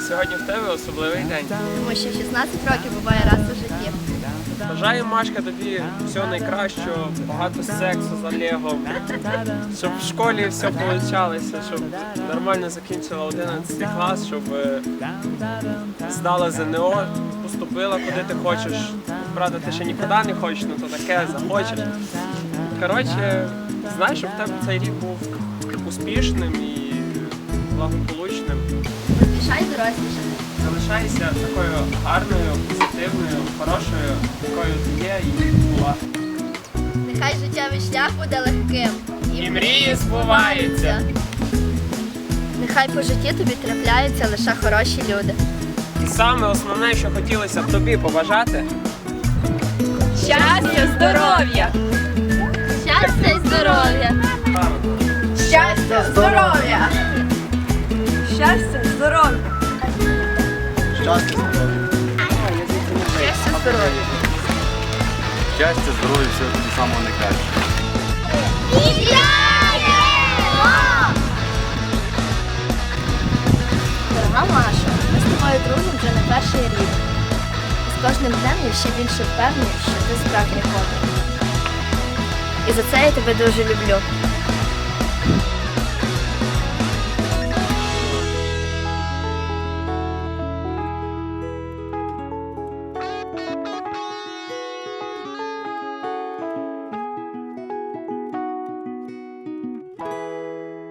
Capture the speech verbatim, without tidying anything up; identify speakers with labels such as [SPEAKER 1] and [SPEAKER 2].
[SPEAKER 1] сьогодні в тебе особливий день.
[SPEAKER 2] Тому що шістнадцять років буває раз у житті.
[SPEAKER 1] Бажаю, Машка, тобі всього найкращого, багато сексу з Олегом, щоб в школі все вийшло, щоб нормально закінчила одинадцятий клас, щоб здала ЗНО, поступила куди ти хочеш. Правда, ти ще нікуди не хочеш, ну то таке, захочеш. Коротше, знаєш, щоб в тебе цей рік був успішним і благополучним.
[SPEAKER 2] Поспішай дорослішати.
[SPEAKER 1] Залишайся такою гарною, позитивною, хорошою, якою ти є і була.
[SPEAKER 2] Нехай життєвий шлях буде легким.
[SPEAKER 1] І мрії збуваються.
[SPEAKER 2] Нехай по житті тобі трапляються лише хороші люди.
[SPEAKER 1] І саме основне, що хотілося б тобі побажати.
[SPEAKER 2] Щастя, здоров'я! Щастя і здоров'я! Щастя, здоров'я!
[SPEAKER 3] Щастя, здоров'я!
[SPEAKER 4] Щастя, здоров'я.
[SPEAKER 2] Щастя, здоров'я!
[SPEAKER 4] Щастя, здоров'я, всього тобі самого найкращого.
[SPEAKER 2] Дорога Маша, ми з тобою дружимо вже не перший рік. І з кожним днем я ще більше впевнена, що ти справді подруга. І за це я тебе дуже люблю.